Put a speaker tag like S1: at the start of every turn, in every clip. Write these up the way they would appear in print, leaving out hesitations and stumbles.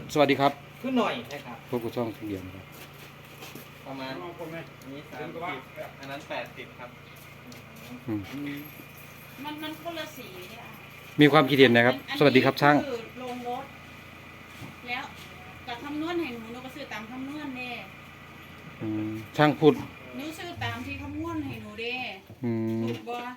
S1: สวัสดีครับ
S2: ขึ้นหน่อยนะครับ
S1: พวกกูช่องเดียวนะครับ
S2: ประมาณนี้30อันนั้น80ครับ
S3: มันคนละสีเนี่ย
S1: มีความคิดเห็นนะครับ สวัสดีครับช่าง
S3: ลงรถแล้วกับคำนวณให้หนูก็ซื้อตามคำนวณเด้
S1: ช่างพูด
S3: หนูซื้อตามที่คำนวณให้หนูเด้ถูกบ่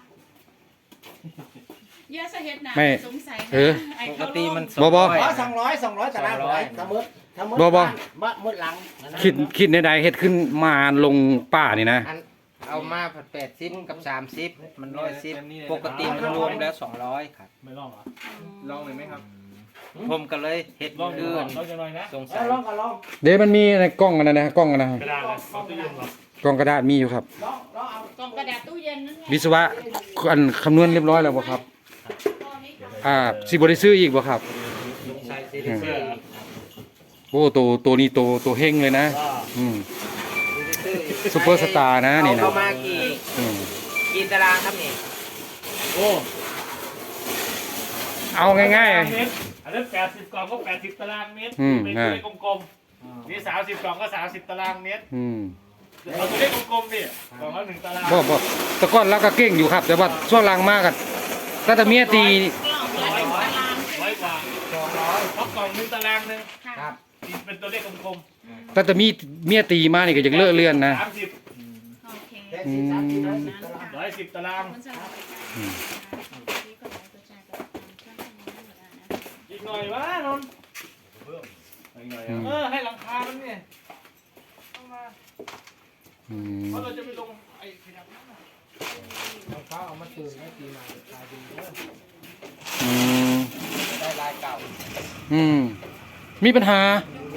S3: เยอะสะเฮ็ดหนาสงสัย
S2: ปกติมัน
S1: บ่
S2: 200ตารางร้อยสมมติมืดหลัง
S1: คิดในใดเฮ็ดขึ้นมาลงป่านี่นะ
S2: เอามาผัด80กับ30มัน110ปกติมันรวมแล้ว200ครับ
S4: ไม่ลองเหรอ
S2: ลองเลยไหมครับผมก็เลยเฮ็ดอื่นสงสัย
S1: เดี๋ยวมันมีในกล้องนะกล้องนะ
S4: กระดาษตู้เย็นเหร
S1: อกล้องกระดาษมีอยู่ครับ
S3: กล่องกระดาษตู้เย็นนั่นไง
S1: วิศวะอันคำนวณเรียบร้อยแล้วบ่ครับสิบ่ได้ซื้ออีกบ่ครับโอ้ตัวนี้ตัวเฮงเลยนะซุปเปอร์สตาร์นะนี่นะ
S2: เอามากี่ตารางครับนี่
S4: โอ้
S1: เอาง่ายๆ
S4: อันนั้น80กล่องก็80ตารางเมตรเป็นตัวเลขกลมๆนี่30กล่องก็30ตารางเมตรเอาตัวเลขกลมๆนี่กล่องละ1ตาราง
S1: บ่แต่ก่อนเราก็เก่งอยู่ครับแต่ว่าช่วงหลังมากกันตั้งแต่เมียตี
S4: 100กว่า200เพราะกล่อง1ตารางนึง
S2: ครับ
S4: เป็นตัวเลขกลม
S1: ๆตั้งแต่เมียตีมานี่ก็ยังเลอะเลือนนะ
S4: 30
S3: โอเค
S4: 110ตารางอีกหน่อยวะนนท์ให้หลังคามันเนี่ยต้องมาเพราะเราจะไปลงไอ้ขนาดนั้น
S2: รองเท้าเอามาตื่นให้ตีมาลายดีเยอะได้ลายเก่า
S1: มีปัญหา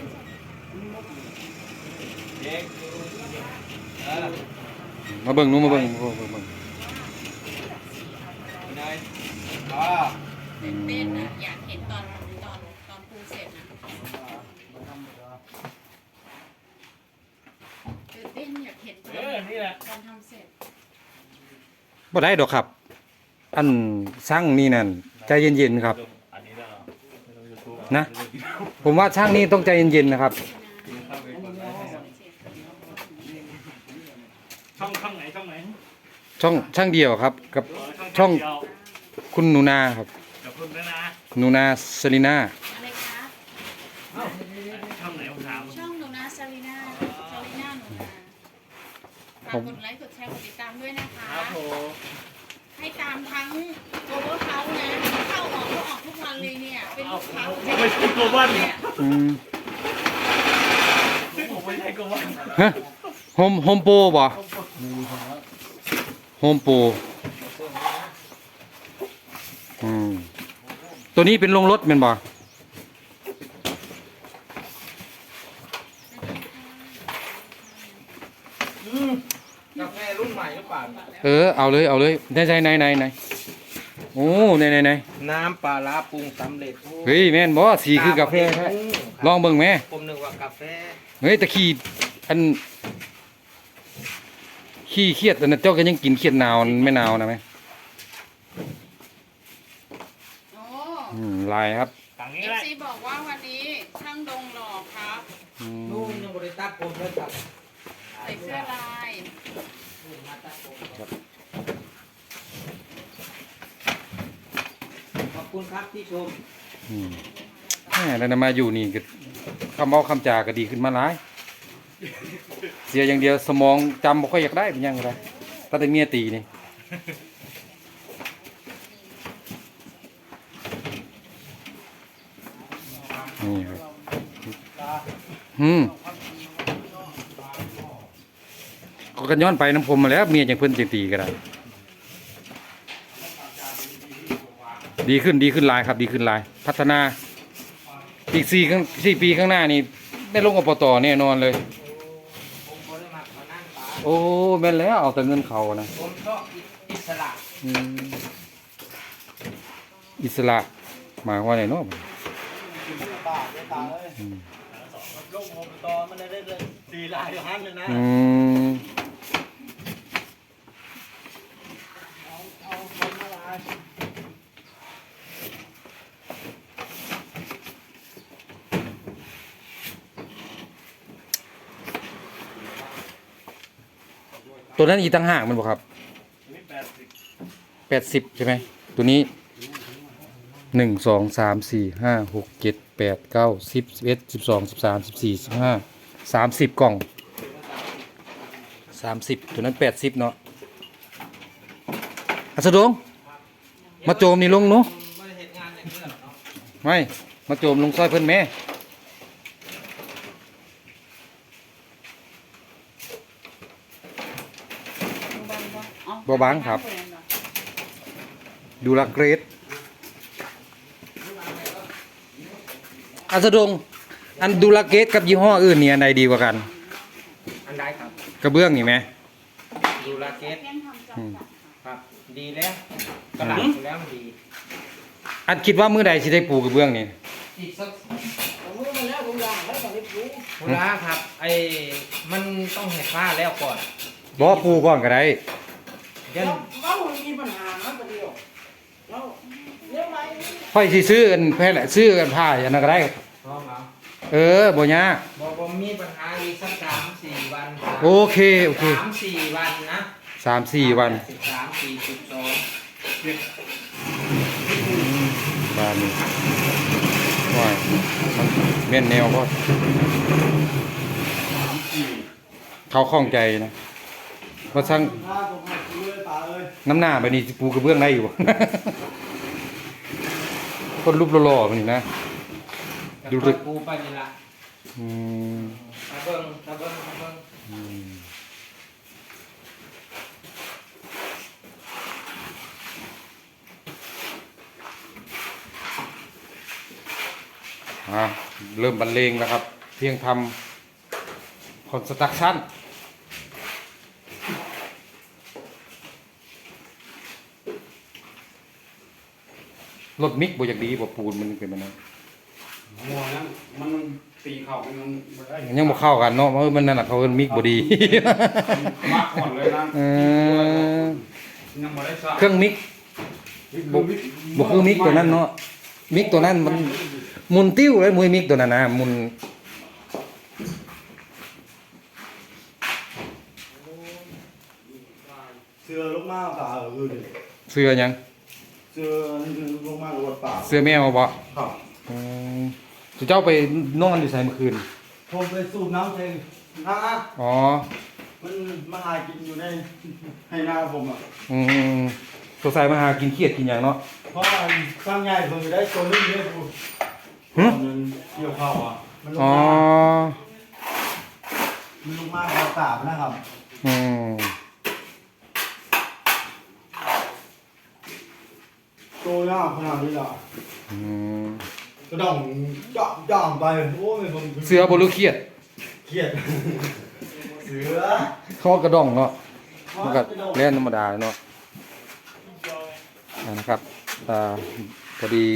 S1: มาเบิ่งนู้มาเบิ่ง
S3: เต้นนะอยากเห็นตอนปูเสร็จนะเต้นอยากเห็นตอนทำเสร็จ
S1: บ่ได้ดอกครับอันช่างนี่นั่นใจเย็นๆครับนะผมว่าช่างนี่ต้องใจเย็นๆนะครับ
S4: ช่องไหน
S1: ช่างเดียวครับกับช่องคุณหนูนาครับ
S4: กับคุณนะ
S1: หนูนาซาลิน่า
S3: อะไรคะ
S4: ช่องไหนผมถาม
S3: ช่องหนูนาซาลิน่าหนูนาฝากกดไลค์กดแชร์กดติดตามด้วยนะคะให้ตามทั้งโกลบอลเขานะเข้าออกทุกวันเลยเนี่ยเป็นลูกค้า
S4: ไม่ใช่โกลบอลซึ่งผมไม่ใช่โกลบอล
S1: ฮะโฮมโปรบ่โฮมโปรตัวนี้เป็นลงรถเป็นบ่
S2: กาแฟรุ่นใหม่หรือเปล่า
S1: เอาเลยไหนโอ้ไหน
S2: น้ำปลาร้าปรุงสำเร็จ
S1: เฮ้ยแม่นบ่สีคือกาแฟแท้ลองเบิ่งแม่
S2: ผมนึกว่ากาแฟ
S1: เฮ้ยตะขี้อันขี้เครียดอันนั้นเจ้าก็ยังกินเครียดหนาวไม่หนาวนะไหมลายครับ
S3: ซีบอกว่าวันนี้ช่างดงหล่อครับ
S2: นู่นยังบริษัทผมเลยครับ
S3: ใส่เสื้อลาย
S2: ขอบคุณครับที่ชม
S1: แล้วนำมาอยู่นี่ก็คำเอาคำจาก็ดีขึ้นมาหลายเสียอย่างเดียวสมองจำบ่ค่อยอยากได้เป็นยังไงตั้งแต่เมียตีนี่นี่ครับก็กันย้อนไปน้ำพรมมาแล้วเมียจังเพิ่นจังตีก็ได้ดีขึ้นหลายครับดีขึ้นหลายพัฒนาอีก4 ปีข้างหน้านี่ได้ลงอบต.แน่นอนเลยโอ้แม่นแล้วเอาแต่เงินเขานะ
S2: ผมชอบอิสระ
S1: อิสระหมายว่าไงเนาะ
S2: ลงอบต.มันได้เลย4 ลายอยู่หันเลยนะ
S1: ตัวนั้นอีกตั้งห่างมันบ่ครับ
S4: อันนี้
S1: 80ใช่ไหมตัวนี้1 2 3 4 5 6 7 8 9 10 11 12 13 14 15 30กล่อง30ตัวนั้น80เนาะอัสดงมาโจมนี่ลงเนาะ
S2: ไม่ได้เฮ็ดงานอย่างนี้หรอกเนาะ
S1: ไม่มาโจมลงซอยเพิ่นแม่บ่บังครับ ดูละเกรดอัสดงอันดูละเกรดกับยี่ห้ออื่นนี่อันใดดีกว่ากัน
S2: อันใดครับ
S1: กระเบื้องนี่ไหม
S2: ดูลาเกต
S3: เพียงทำจำกัดค่ะ
S2: ครับ ดีแล้วกระดาษอยู่แล้วมันดี
S1: อันคิดว่ามื้อใดสิได้ปูกระเบื้องนี่
S2: อีกสัก
S5: มือมันแล้วผมอยากแล้วตอนนี้ปู
S2: เวลาครับไอ้มันต้องเห็ดผ้าแล้วก่อน
S1: บ่ปูก่อนก็ได้
S2: ยัน
S5: เรามีปัญหานะประเดี๋ยวเราเรื่องไร
S1: ค่อยสิซื้อกันแพ้แหละซื้อกันผ้าอันนั้นก็ได้
S2: พร้อมแล้ว
S1: บ่ยาก
S2: บอกผมมีปัญหาอีกสัก3-4 วัน
S1: โอเคโอเค
S2: 3-4 วันนะ
S1: 3-4 วัน
S2: 13-4-12
S1: บ้านนี้ว้ายมันแม่นแนวบ่เขาข้องใจนะว่าช่าง
S5: ถ้าผมมาคุยป่าเอ้ย
S1: น้ำหน้าแบบนี้สิปูกระเบื้องได้อยู่ คนรูปหล่อๆแบบนี้นะ ดู
S2: ดู
S1: ดิ
S2: รึกูไปนี่ละ
S1: อืม
S2: ตะเบิ้งตะเบิ้งตะเบิ้ง
S1: อืมเริ่มบรรเลงแล้วครับ เพียงทำคอนสตรักชั่นรถมิกบ่อยากดีบ่ปูนมันเป็นมันนั้น
S6: มัวนั้นมันตีเข่ามันบ่ได้
S1: ยังบ่เข้ากันเนาะเพราะมันนั่นน่ะเขาเอิ้นมิกบ่ดี
S6: มากก่อนเลยนะ
S1: เออ
S6: ยังบ่ได้สร้าง
S1: เครื่องมิกบ่คือมิกตัวนั้นเนาะมิกตัวนั้นมันหมุนติ้วเลยมวยมิกตัวนั้นนะหมุน
S5: เสือลูกมาป่าเออดิ
S1: เสื้อหยัง
S5: เสือลูกมาวัดป่า
S1: เสื้อแมวบ่
S5: ครับ
S1: อืมสุเจ้าไปนอนอยู่ไสเมื่อคืน
S5: ผมไปสูบน้ำเองนะ
S1: อ๋อ
S5: มันมาหากินอยู่ในให้นาผมอ่ะ
S1: อืมสงสัยมาหากินเครียดกินหยังเนาะ
S5: เพราะสร้างใหญ่ผมจะได้ตัวนึงเยอะดู
S1: หึ
S5: มันเกี่ยวข้าวอ่ะมันลูก
S1: อ๋อ
S5: มามันลูกมาวัดป่านะครับ
S1: อืม
S5: โตยากขนาดนี้ล่ะ
S1: อืม
S5: กระดองจ่อมไปโอ้ยผม
S1: เสื้อบ่รู้เครียด
S5: เครียดเสือ
S1: เขากระด้องเนาะมันก็เล่นธรรมดาเนาะนะครับพอดี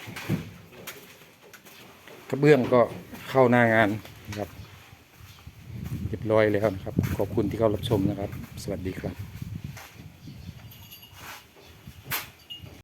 S1: กระเบื้องก็เข้าหน้างานนะครับเรียบร้อยแล้วนะครับ ขอบคุณที่เข้ารับชมนะครับ สวัสดีครับ